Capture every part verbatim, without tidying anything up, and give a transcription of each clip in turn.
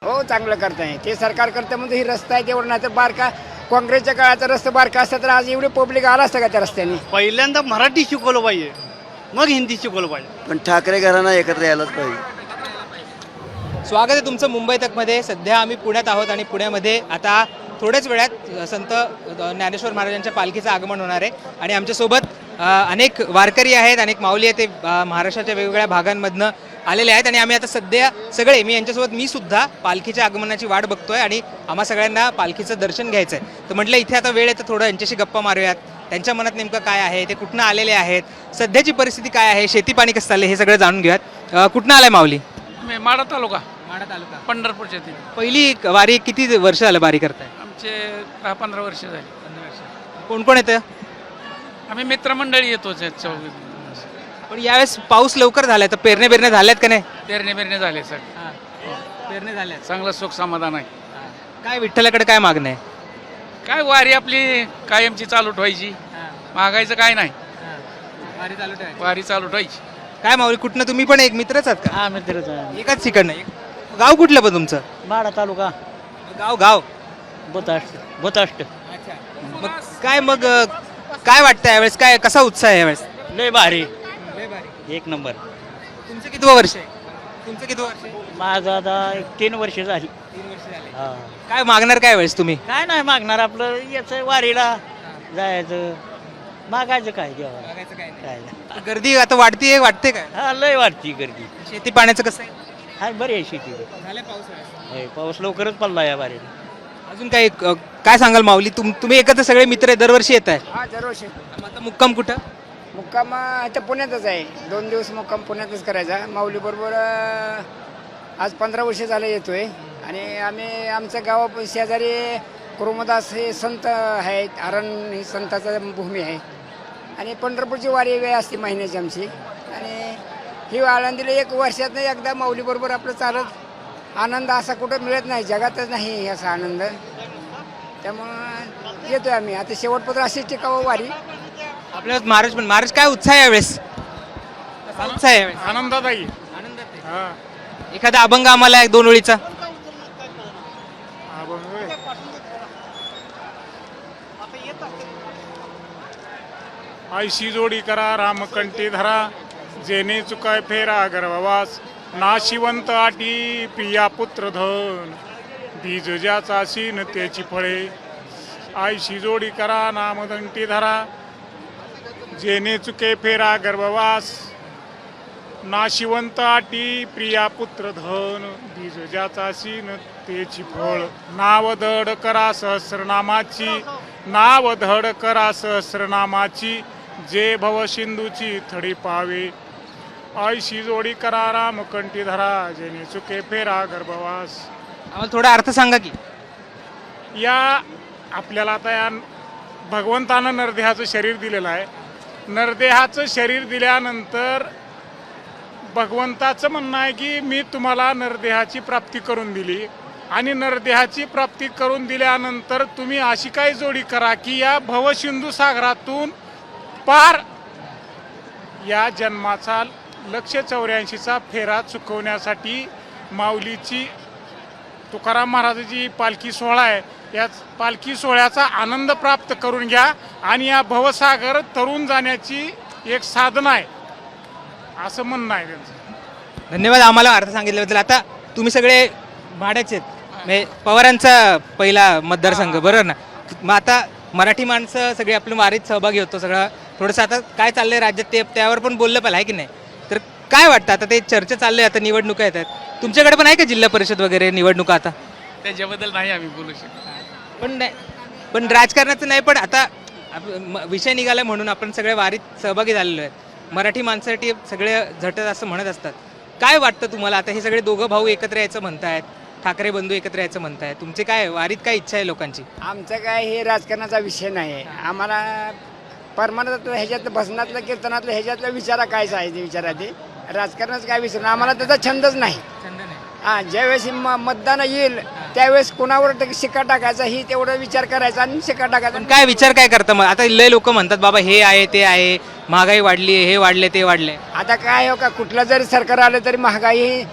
हो चांगलं करताय ते सरकार करतं म्हणजे ही रस्ता आहे तेवढं नाही तर बारका काँग्रेसच्या काळाचा रस्ता बारका असता तर आज एवढे पब्लिक आला असतं का त्या रस्त्याने. पहिल्यांदा मराठी शिकवलं पाहिजे, मग हिंदी शिकवलं पाहिजे. पण ठाकरे घराणा एकत्र यायलाच पाहिजे. स्वागत आहे तुमचं मुंबई तकमध्ये. सध्या आम्ही पुण्यात आहोत आणि पुण्यामध्ये आता थोड्याच वेळात संत ज्ञानेश्वर महाराजांच्या पालखीचं आगमन होणार आहे आणि आमच्यासोबत अनेक वारकरी आहेत, अनेक माऊली आहेत, ते महाराष्ट्राच्या वेगवेगळ्या भागांमधनं आलेले आहेत आणि आम्ही आता सध्या सगळे मी यांच्यासोबत मी सुद्धा पालखीच्या आगमनाची वाट बघतोय आणि आम्हा सगळ्यांना पालखीचं दर्शन घ्यायचं आहे. तर म्हटलं इथे आता वेळ आहे तर थोडं यांच्याशी गप्पा मारूयात, त्यांच्या मनात नेमकं काय आहे, ते कुठनं आलेले आहेत, सध्याची परिस्थिती काय आहे, शेती पाणी कसं चाललं हे सगळं जाणून घेऊयात. कुठनं आलाय माऊली? माडा तालुका, माढा तालुका, पंढरपूरच्या ती पहिली वारी किती वर्ष झालं वारी करताय? आमचे दहा पंधरा वर्ष झाली. कोण कोण येतं? आम्ही मित्रमंडळी येतो चौघ. पण यावेळेस पाऊस लवकर झालाय तर पेरणे बेरणे झाल्यात का नाही? पेरणे बेरणे झाले सर, पेरणे झाल्यात. चांगलं सुख समाधान आहे. काय विठ्ठलाकडे काय मागणं आहे? काय वारी आपली कायमची चालू ठेवायची, मागायचं काय नाही, वारी चालू ठेवायची. वारी चालू ठेवायची. काय माऊली कुठनं तुम्ही पण एक मित्रच आहात का? हा मित्रच एकाच ठिकाण नाही. गाव कुठलं पण तुमचं? माडा तालुका, गाव गाव बोताष्ट बोताष्ट. मग काय मग अं, काय वाटतं यावेळेस, काय कसा उत्साह आहे यावेळेस? लय भारी, एक नंबर. तुमचं किती वर्ष आहे? तुमचं किती वर्ष आहे? माझं आता एक तीन वर्ष झाली. तीन वर्ष झाले. हा. काय मागणार काय वेळेस तुम्ही? काय नाही मागणार, आपलं याचं वारीला जायचं, मागायचं काय देवा काय नाही. गर्दी आता वाढतीये वाटते काय? हा लय वाटती गर्दी. शेती पाण्याचं कसं आहे? हाय बरी आहे शेती. झालं पाऊस? होय, पाऊस लवकरच पडला या वारीला. अजून काही अं, काय सांगाल माऊली? तुम तुम्ही एकत्र सगळे मित्र आहे, दरवर्षी येत आहे. हा दरवर्षी आता मुक्काम कुठं? मुक्काम अं, इथं पुण्यातच आहे. दोन दिवस मुक्काम पुण्यातच करायचा. माऊली बरोबर आज पंधरा वर्ष झाले येतोय आणि आम्ही आमच्या गावा शेजारी कुरुमदास हे संत आहेत, अरण ही संताचा भूमी आहे आणि पंढरपूरची वारी वेळ असते महिन्याची आमची आणि ही आळंदीला एक वर्षात एकदा माऊलीबरोबर आपलं चालत आनंद असा कुठं मिळत नाही, जगातच नाही असा आनंद. त्यामुळं येतोय आम्ही. आता शेवटपत्र अशीच टिकावं वारी. आपल्या महाराज पण महाराज काय उत्साह आहे यावेळेस? कसा उत्साह आहे यावेळेस? आनंदात आहे. आनंदात आहे. एखादा अभंग आम्हाला एक दोन ओळीचा. आयशी जोडी करा रामकंठी धरा, जेने चुकाय फेरा गर्भवास, नाशिवंत आटी पिया पुत्र धन, बीज ज्याचा सीन त्याची फळे. आयशी जोडी करा नामकंठी धरा, जेने चुके फेरा गर्भवास, नाशिवंत आटी प्रिया पुत्र धन, बीज ज्याचा सीन त्याची फळ. नाव धड करा सहस्रनामाची, नाव धड करा सहस्रनामाची, जे भव सिंधूची थडी पावे. आयशी जोडी करा रामकंठी धरा, जेने चुके फेरा गर्भवास. आम्हाला थोडा अर्थ सांगा की. या आपल्याला आता या भगवंतानं नरदेहाचं शरीर दिलेलं आहे. नरदेहाचं शरीर दिल्यानंतर भगवंताचं म्हणणं आहे की मी तुम्हाला नरदेहाची प्राप्ती करून दिली आणि नरदेहाची प्राप्ती करून दिल्यानंतर तुम्ही अशी काय जोडी करा की या भवसिंधू सागरातून पार या जन्माचा लक्ष चौऱ्याऐंशीचा फेरा चुकवण्यासाठी माऊलीची तुकाराम महाराजाची पालखी सोहळा आहे. या पालखी सोहळ्याचा आनंद प्राप्त करून घ्या आणि या भवसागर तरुण जाण्याची एक साधना आहे असं म्हणणं आहे त्यांचं. धन्यवाद आम्हाला अर्थ सांगितल्याबद्दल. आता तुम्ही सगळे भाड्याचे आहेत, म्हणजे पवारांचा पहिला मतदारसंघ बरोबर ना? मग आता मराठी माणसं सगळे आपल्या वारीत सहभागी होतो सगळं. थोडंसं आता काय चाललंय राज्यात ते त्यावर पण बोललं पाहिजे आहे की नाही? तर काय वाटतं आता ते चर्चा चालली आहे, आता निवडणुका येतात, तुमच्याकडे पण आहे का जिल्हा परिषद वगैरे निवडणुका आता? त्याच्याबद्दल नाही आम्ही बोलू शकतो. पण नाही, पण राजकारणाचं नाही, पण आता विषय निघाला म्हणून आपण सगळे वारीत सहभागी झालेलो आहेत. मराठी माणसासाठी सगळे झटत असं म्हणत असतात. काय वाटतं तुम्हाला? आता हे सगळे दोघं भाऊ एकत्र यायचं म्हणतायत, ठाकरे बंधू एकत्र यायचं म्हणतायत, तुमचे काय वारीत काय इच्छा आहे लोकांची? आमचं काय हे राजकारणाचा विषय नाही आहे. आम्हाला परमानंदातलं ह्याच्यातलं भजनातलं कीर्तनातलं ह्याच्यातलं विचारा कायच आहे ते विचारा ते राजकारणाचं काय विचार आम्हाला त्याचा छंदच नाही. हां ज्यावेळेस म मतदान येईल त्यावेळेस कोणावर शिक्का टाकायचा ही तेवढा विचार करायचा आणि शिक्का टाकायचा. काय विचार काय करता मग? आता लय लोक म्हणतात बाबा हे आहे ते आहे, महागाई वाढली, हे वाढले ते वाढले. आता काय हो का कुठलं जरी सरकार आलं तरी महागाई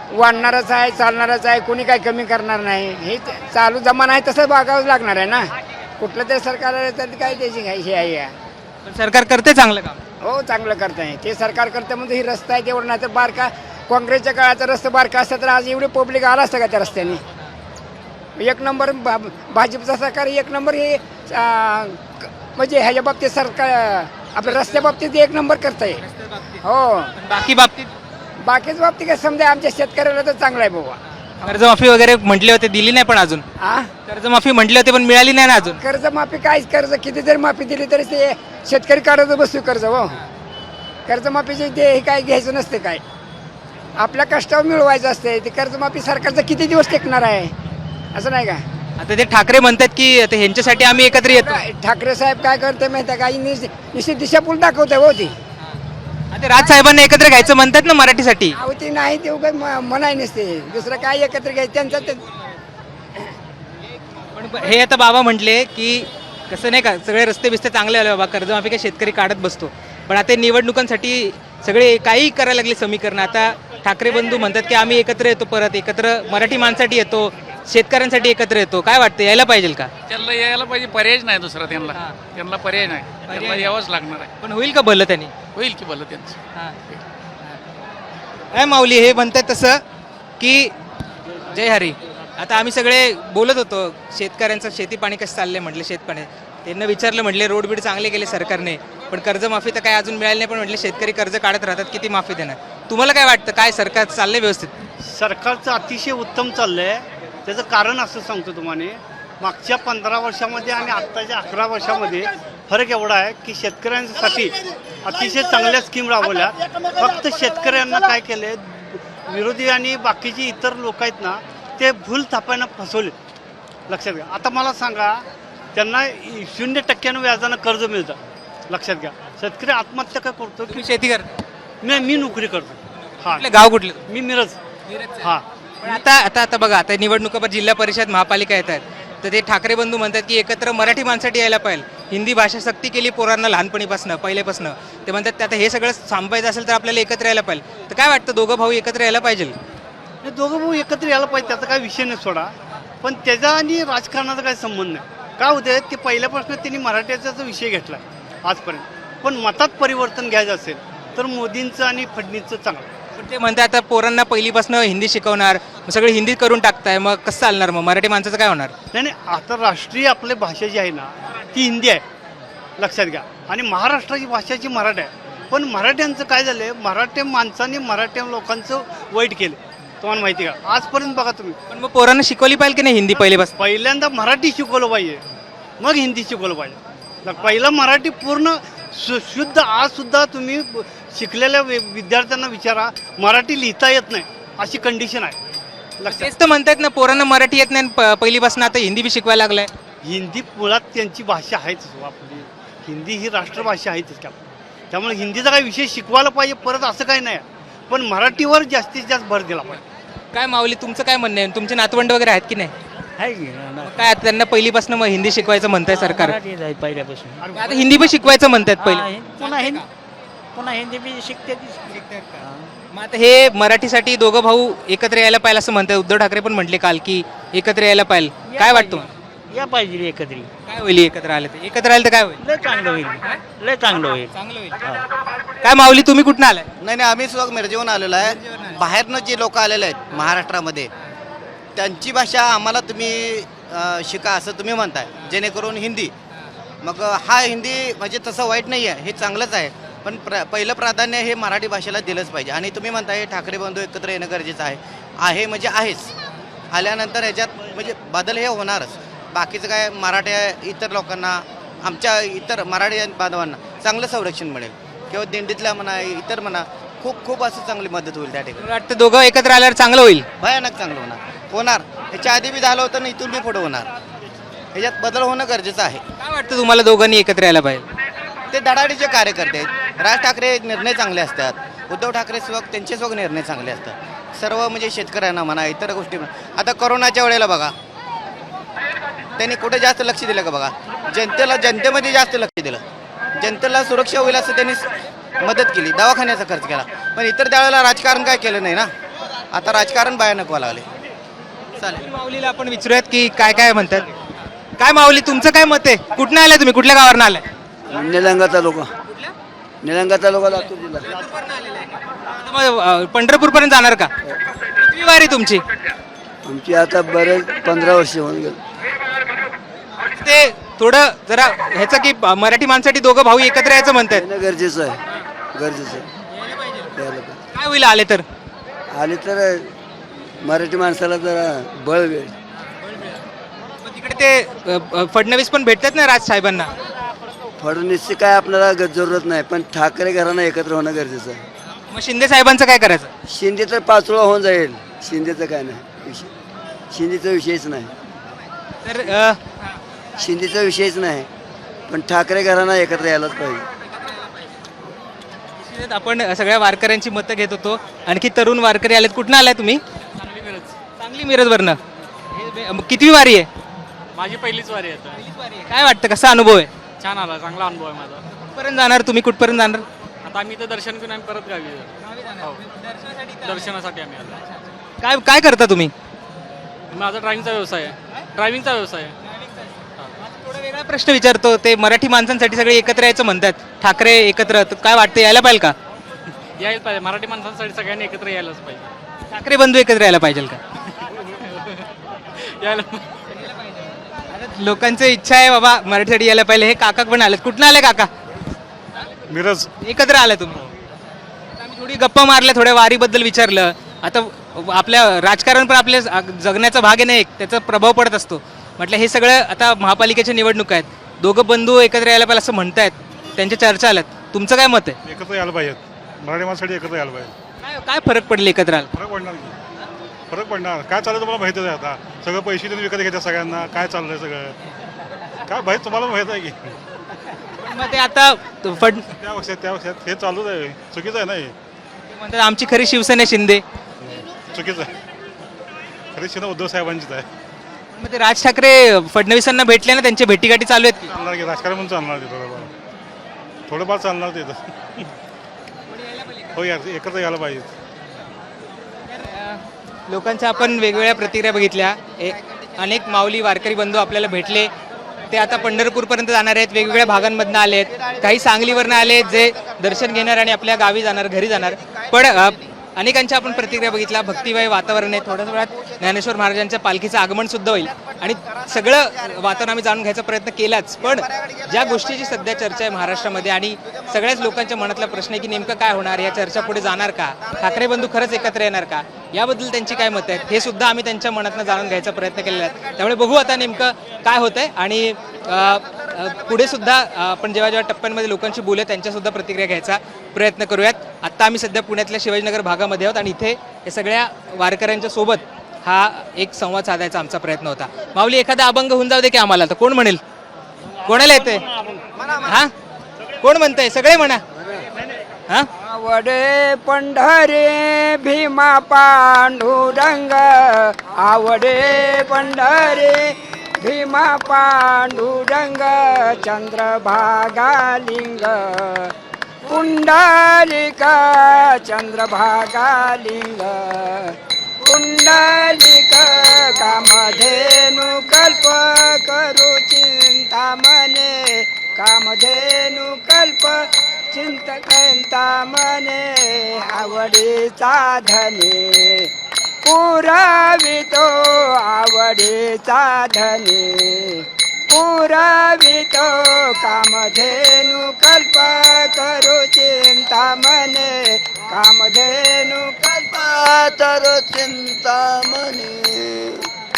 वाढणारच आहे, चालणारच आहे, कोणी काही कमी करणार नाही. हे ते चालू जमाना आहे तसं बघावंच लागणार आहे ना. कुठलं तरी सरकार आलं तर काय त्याची काय हे आहे. पण सरकार करते चांगलं काम. हो चांगलं करत आहे ते सरकार करतं म्हणजे ही रस्ता आहे तेवढं नाही तर बारका काँग्रेसच्या काळाचा रस्ता बारका असता तर आज एवढे पब्लिक आला असतं का त्या रस्त्याने. एक नंबर भा भाजपचा सरकार एक नंबर हे आ, क- म्हणजे ह्याच्या बाबतीत सरकार आपल्या रस्त्या बाबतीत एक नंबर करत आहे. हो पण बाकी बाबतीत बाकीच बाबतीत काय समजा आमच्या शेतकऱ्याला तर चांगलं आहे बाबा. कर्जमाफी वगैरे म्हटले होते, दिली नाही पण अजून. आ कर्जमाफी म्हटले होते पण मिळाली नाही ना अजून. कर्जमाफी काय कर्ज किती जरी माफी दिली तरी ते शेतकरी काढत बसतो कर्ज. हो कर्जमाफीचे ते हे काय घ्यायचं नसते काय आपल्या कष्टावर मिळवायचं असते. ते कर्जमाफी सरकारचं किती दिवस टेकणार आहे असं नाही का. आता ते ठाकरे म्हणतात की आता ह्यांच्यासाठी आम्ही एकत्र येतो. काय ठाकरे साहेब काय करते माहिती आहे का निश्चित दिशापूल दाखवते हो ती. आता राज साहेबांना एकत्र घ्यायचं म्हणतात ना मराठीसाठी. अहो ती नाही ते उगाच म- म्हणाय नसते दुसरं काय एकत्र घ्यायचं त्यांचं ते पण हे आता बाबा म्हटले की कसं नाही का सगळे रस्ते बिस्ते चांगले आले बाबा, कर्जमाफी काय शेतकरी काढत बसतो. पण आता निवडणुकांसाठी सगळे काही करायला लागले समीकरण. आता ठाकरे बंधू म्हणतात की आम्ही एकत्र येतो, परत एकत्र मराठी माणसाठी येतो, शेतकऱ्यांसाठी एकत्र येतो. काय वाटतं यायला पाहिजे का? त्यांना यायला पाहिजे, पर्यायच नाही दुसरा त्यांना. त्यांना पर्याय नाही, त्यांना यावंच लागणार आहे. पण होईल का भलं त्यांनी? होईल की भलं त्यांचं. काय माऊली हे म्हणतात तसं की जय हरी. आता आम्ही सगळे बोलत होतो शेतकऱ्यांचं शेती पाणी कसं चाललंय म्हटलं, शेतपाणी त्यांना विचारलं म्हटले रोड बीड चांगले केले सरकारने पण कर्जमाफी तर काय अजून मिळाली नाही. पण म्हटले शेतकरी कर्ज काढत राहतात, किती माफी देणार? तुम्हाला काय वाटतं, काय सरकार चाललंय व्यवस्थित? सरकारचं अतिशय उत्तम चाललंय. त्याचं कारण असं सांगतो तुम्हाला, मागच्या पंधरा वर्षामध्ये आणि आत्ताच्या अकरा वर्षामध्ये फरक एवढा आहे की शेतकऱ्यांसाठी अतिशय चांगल्या स्कीम राबवल्या. फक्त शेतकऱ्यांना काय केले, विरोधी आणि बाकीची इतर लोक आहेत ना ते भूल थापायला फसवले. लक्षात घ्या. आता मला सांगा, त्यांना शून्य टक्क्यानं व्याजानं कर्ज मिळतं. लक्षात घ्या. शेतकरी आत्महत्या काय करतो की तुम्ही शेती करता? मी मी नोकरी करतो. हां, कुठलं गाव कुठलं? मी मिरज. हां, पण आता आता आता बघा, आता निवडणुका जिल्हा परिषद महापालिका येत आहेत, तर ते ठाकरे बंधू म्हणतात की एकत्र मराठी माणसाठी यायला पाहिजे. हिंदी भाषा सक्ती केली पोरांना लहानपणीपासून पहिल्यापासून. ते म्हणतात आता हे सगळं थांबायचं असेल तर आपल्याला एकत्र यायला पाहिजे. तर काय वाटतं, दोघं भाऊ एकत्र यायला पाहिजे? हे दोघं भाऊ एकत्र यायला पाहिजे, त्याचा काही विषय नाही सोडा. पण त्याचा आणि राजकारणाचा काही संबंध नाही. काय होते, ते पहिल्यापासून त्यांनी मराठ्याचा विषय घेतला आजपर्यंत. पण मतात परिवर्तन घ्यायचं असेल तर मोदींचं आणि फडणवीसचं चांगलं. पण ते म्हणतात आता पोरांना पहिलीपासून हिंदी शिकवणार, मग सगळे हिंदी करून टाकताय, मग कसं चालणार? मग मराठी माणसाचं काय होणार? नाही नाही, आता राष्ट्रीय आपली भाषा जी आहे ना ती हिंदी आहे. लक्षात घ्या. आणि महाराष्ट्राची भाषाची मराठी आहे. पण मराठ्यांचं काय झालं, मराठी माणसांनी मराठी लोकांचं वाईट केलं. तुम्हाला माहिती का? आजपर्यंत बघा तुम्ही, पण मग पोरांना शिकवली पाहिजे की नाही हिंदी पहिलेपासून? पहिल्यांदा मराठी शिकवलं पाहिजे, मग हिंदी शिकवलं पाहिजे. पहिलं मराठी पूर्ण शु शुद्ध. आज सुद्धा तुम्ही शिकलेल्या वि- विद्यार्थ्यांना विचारा, मराठी लिहिता येत नाही अशी कंडिशन आहे. लक्षात. तेच तर म्हणतात ना, पोरांना मराठी येत नाही, प- पहिलीपासून आता हिंदी बी शिकवायला लागलाय. हिंदी मुळात त्यांची भाषा आहेच हो आपली. हिंदी ही राष्ट्रभाषा आहेच की आपली. त्यामुळे हिंदीचा काही विषय शिकवायला पाहिजे परत, असं काही नाही. पण मराठीवर जास्तीत जास्त भर दिला पाहिजे. काय माऊली, तुमचं काय म्हणणं आहे? तुमचे नातवंड वगैरे आहेत की नाही? आहे की मग काय आता त्यांना पहिलीपासून मग हिंदी शिकवायचं म्हणताय सरकार? मराठीच आहे पहिल्यापासून. आता हिंदी पण शिकवायचं म्हणतात हा, पहिले. हिं- पुन्हा हिंदी पुन्हा हिंदी बी शिकते ती. मग आता हे मराठीसाठी दोघं भाऊ एकत्र यायला पाहिजे असं म्हणतात. उद्धव ठाकरे पण म्हटले काल की एकत्र यायला पाहिजे. काय वाटतं? या पाहिजे एकत्री. काय होईल एकत्र आले तर? एकत्र आले तर काय होईल? लय चांगलं होईल, लय चांगलं होईल. चांगलं होईल. काय माऊली, तुम्ही कुठून आलाय? नाही नाही, आम्ही सुद्धा मिरजेहून आलेलो आहे. बाहेरनं जे लोक आलेले आहेत महाराष्ट्रामध्ये, त्यांची भाषा आम्हाला तुम्ही अं, शिका असं तुम्ही म्हणताय, जेणेकरून हिंदी. मग अं, हा हिंदी म्हणजे तसं वाईट नाही आहे, हे चांगलंच आहे. पण प्र पहिलं प्राधान्य हे मराठी भाषेला दिलंच पाहिजे. आणि तुम्ही म्हणताय ठाकरे बंधू एकत्र येणं गरजेचं आहे. आहे म्हणजे आहेच. आल्यानंतर ह्याच्यात म्हणजे बदल हे होणारच. बाकीचं काय, मराठ्या इतर लोकांना, आमच्या इतर मराठी बांधवांना चांगलं संरक्षण मिळेल. किंवा दिंडीतल्या म्हणा, इतर म्हणा, खूप खूप असं चांगली मदत होईल त्या ठिकाणी. मला वाटतं दोघं एकत्र आल्यावर चांगलं होईल. भयानक चांगलं होणार होणार ह्याच्या आधी बी झालं होतं ना, इथून बी पुढे होणार. ह्याच्यात बदल होणं गरजेचं आहे. काय वाटतं तुम्हाला दोघांनी एकत्र यायला पाहिजे? ते धडाडीचे कार्यकर्ते आहेत. राज ठाकरे निर्णय चांगले असतात, उद्धव ठाकरे स्वग त्यांचे स्वग निर्णय चांगले असतात. सर्व म्हणजे शेतकऱ्यांना म्हणा, इतर गोष्टी म्हणा. आता कोरोनाच्या वेळेला बघा, त्यांनी कुठे जास्त लक्ष दिलं का? बघा, जनतेला, जनतेमध्ये जास्त लक्ष दिलं. जनतेला सुरक्षा होईल असं त्यांनी मदत केली, दवाखान्याचा खर्च केला. पण इतर त्यावेळेला राजकारण काय केलं नाही ना. आता राजकारण भयानक व्हावं लागले. चालेल. माऊलीला आपण विचारूयात की काय काय म्हणतात. काय माऊली, तुमचं काय मत आहे? कुठनं आलाय तुम्ही? कुठल्या गावावरून आलाय? निलंगा तालुका निलंगा तालुका लातूर जिल्हा. मग पंढरपूर पर्यंत जाणार का? किती वारी तुमची? आमची आता बरेच पंधरा वर्ष होऊन गेली. ते थोडं जरा ह्याचं की मराठी माणसाठी दोघं भाऊ एकत्र यायचं म्हणतात. येणं गरजेचं आहे, गरजेचं आहे. यायला पाहिजे. काय होईल आले तर? आले तर मराठी माणसाला जरा बळ वेळ. मग तिकडे ते अ, अ, फडणवीस पण भेटतात ना राज साहेबांना. फडणवीसची काय आपल्याला ग- जरूरत नाही, पण ठाकरे घराणं एकत्र होणं गरजेचं आहे. मग शिंदे साहेबांचं काय करायचं? शिंदे तर पाचोळा होऊन जाईल. शिंदेचं काय नाही विषय, शिंदेचा विषयच नाही, तर अ, शिंदेचा विषयच नाही, पण ठाकरे घराणं एकत्र यायलाच पाहिजे. आपण सगळ्या वारकऱ्यांची मतं घेत होतो. आणखी तरुण वारकरी आलेत. कुठनं आलाय तुम्ही? सांगली मिरजवरनं. हे- मग कितवी वारी आहे? माझी पहिलीच वारी आहे. काय वाटतं, कसा अनुभव आहे? छान आला, चांगला अनुभव आहे माझा. कुठपर्यंत जाणार तुम्ही? कुठपर्यंत जाणार? आता आम्ही इथं दर्शन घेऊन आम्ही परत गावी जाऊ. हो. दर्शनासाठी आम्ही आलो. काय काय करता तुम्ही? माझा ड्रायव्हिंगचा व्यवसाय आहे. ड्रायव्हिंगचा व्यवसाय आहे. थोडा वेगळा प्रश्न विचारतो. ते मराठी माणसांसाठी सगळे एकत्र यायचं म्हणतात, ठाकरे एकत्र, तर काय वाटतं, यायला पाहिजे का? यायला पाहिजे. मराठी माणसांसाठी सगळ्यांनी एकत्र यायलाच पाहिजे. ठाकरे बंधू एकत्र यायला पाहिजे का? यायला आता लोकांची इच्छा आहे बाबा मराठीसाठी यायला पाहिजे. हे काका पण आलेत. कुठनं आले काका? मिरज. एकत्र आले तुम्ही? आता आम्ही थोडी गप्पा मारल्या, थोड्या वारीबद्दल विचारलं. आता आपल्या राजकारण पण आपल्या जगण्याचा भाग आहे ना एक, त्याचा प्रभाव पडत असतो. म्हटलं हे सगळं आता महापालिकेच्या निवडणुका आहेत, दोघं बंधू एकत्र यायला पाहिजे असं म्हणतायत, त्यांच्या चर्चा आल्यात. तुमचं काय मत आहे? एकत्र यायला पाहिजेत. मराठी माणसासाठी एकत्र यायला पाहिजे. काय काय फरक पडेल एकत्र आला? फरक पडणार की फरक पडणार. काय चाललं तुम्हाला माहितीच आहे. आता सगळं पैसे देऊन विकत घेतात सगळ्यांना. काय चाललंय सगळं काय माहीत तुम्हाला माहीत आहे की. पण मग ते आता फड त्या पक्षात त्या पक्षात हे चालूच आहे. चुकीचं आहे ना हे. म्हणतात आमची खरी शिवसेना शिंदे. चुकीचं आहे. खरी शिवसेना उद्धव साहेबांचीच आहे. मग ते राज ठाकरे फडणवीसांना भेटले ना, त्यांच्या भेटीगाठी चालू आहेत की? चालणार की राजकारण म्हणून चालणार ते थोडंफार थोडंफार चालणार ते तर. हो यार एकत्र यायला पाहिजे. लोकांच्या आपण वेगवेगळ्या प्रतिक्रिया बघितल्या. ए- अनेक माऊली वारकरी बंधू आपल्याला भेटले. ते आता पंढरपूरपर्यंत जाणार आहेत, वेगवेगळ्या भागांमधनं आले आहेत. काही सांगलीवरनं आले आहेत जे दर्शन घेणार आणि आपल्या गावी जाणार, घरी जाणार. पण अ, अनेकांच्या आपण प्रतिक्रिया बघितल्या. भक्तिमय वातावरण आहे. थोड्याच वेळात ज्ञानेश्वर महाराजांच्या पालखीचं आगमन सुद्धा होईल आणि सगळं वातावरण आम्ही जाणून घ्यायचा प्रयत्न केलाच. पण ज्या गोष्टीची सध्या चर्चा आहे महाराष्ट्रामध्ये आणि सगळ्याच लोकांच्या मनातला प्रश्न आहे की नेमकं काय होणार, या चर्चा पुढे जाणार का, ठाकरे बंधू खरंच एकत्र येणार का, याबद्दल त्यांची काय मतं आहेत हे सुद्धा आम्ही त्यांच्या मनातनं जाणून घ्यायचा प्रयत्न केलेला आहे. त्यामुळे बघू आता नेमकं काय होतंय आणि अ, अ, पुढे सुद्धा अ, आपण जेव्हा जेव्हा टप्प्यांमध्ये लोकांशी बोलूया त्यांच्यासुद्धा प्रतिक्रिया घ्यायचा प्रयत्न करूयात. आत्ता आम्ही सध्या पुण्यातल्या शिवाजीनगर भागामध्ये आहोत आणि इथे हे सगळ्या वारकऱ्यांच्या सोबत हा एक संवाद साधायचा आमचा प्रयत्न होता. माऊली एखादा अभंग होऊन जाऊ दे की आम्हाला, तर कोण म्हणेल? कोणाला येतंय? हा कोण म्हणतंय? सगळे म्हणा. हा आवडे पंढरे भीमा पांडुरंग, आवडे पंढरे भीमा पांडुरंग, चंद्रभागा लिंग पुंडलिक, चंद्रभागा लिंग पुंडलिक, कामधेनु कल्प करू चिंतामणे, कामधेनु कल्प चिंतकंता मने, आवडीचा धने पुरावितो, आवडीचा धने पुरावितो, कामधेनु कल्प करू चिंता मने, कामधेनु कल्प करू चिंता मने,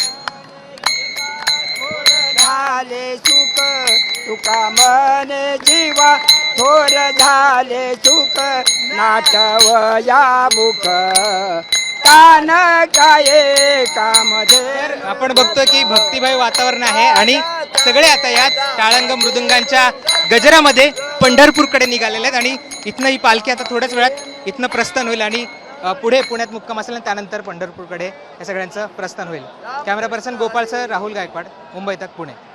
झाले सुख तुका मने जीवा, थोर झाले सुख नाटवया मुख, कान काय कामधेर. आपण बघतोय की भक्तिमय वातावरण आहे आणि सगळे आता याच टाळंग मृदुंगांच्या गजरामध्ये पंढरपूरकडे निघालेले आहेत आणि इथनं ही पालखी आता थोड्याच वेळात इथनं प्रस्थान होईल आणि अ, पुढे पुण्यात मुक्काम असेल आणि त्यानंतर पंढरपूरकडे या सगळ्यांचं प्रस्थान होईल. Camera person Gopal sir, Rahul Gaikwad, Mumbai Tak, Pune.